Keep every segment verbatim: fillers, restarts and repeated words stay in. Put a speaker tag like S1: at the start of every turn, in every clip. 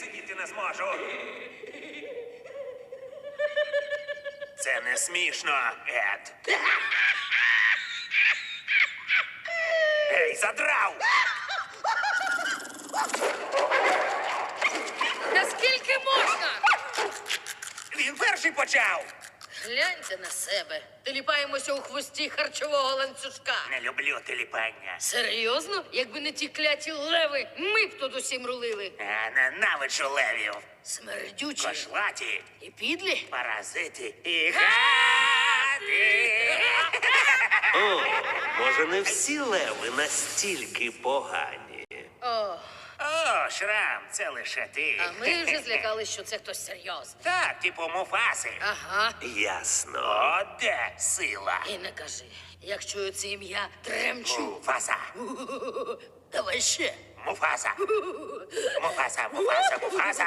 S1: сидіти не зможу. Це не смішно, Ед. Ей, задрав!
S2: Наскільки можна?
S1: Він перший почав!
S2: Гляньте на себе. Теліпаємося у хвості харчового ланцюжка.
S1: Не люблю теліпання.
S2: Серйозно? Якби не ті кляті леви, ми б тут усім рулили.
S1: Я ненавиджу левів.
S2: Смердючі
S1: Кошлаті,
S2: і підлі.
S1: паразити і гади.
S3: О, може, не всі леви настільки погані.
S2: О,
S1: О, Шрам, це лише ти.
S2: а ми вже злякались, що це хтось серйозний.
S1: Так, типу Муфаси.
S2: Ага.
S3: Ясно.
S1: О, де сила?
S2: І не кажи, як чую це ім'я, тремчу.
S1: Муфаса.
S2: Давай ще.
S1: Муфаса. Муфаса, Муфаса, Муфаса.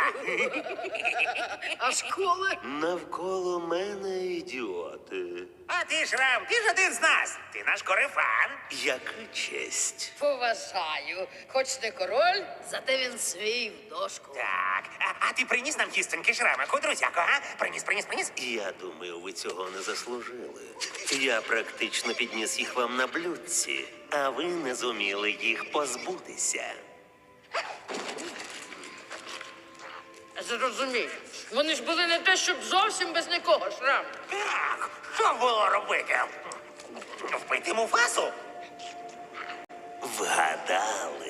S2: А школи?
S3: Навколо мене ідіоти.
S1: А ти, Шрам, ти ж один з нас. Ти наш корефан.
S3: Яка честь.
S2: Поважаю. Хоч не король, зате він свій в дошку.
S1: Так, а, а ти приніс нам тістоньки, Шрамику, друзяко, а? Приніс, приніс, приніс.
S3: Я думаю, ви цього не заслужили. Я практично підніс їх вам на блюдці, а ви не зуміли їх позбутися.
S2: Зрозумів. Вони ж були не те, щоб зовсім без нікого, Шрам.
S1: Так, що було робити? Вбити Муфасу?
S3: Вгадали.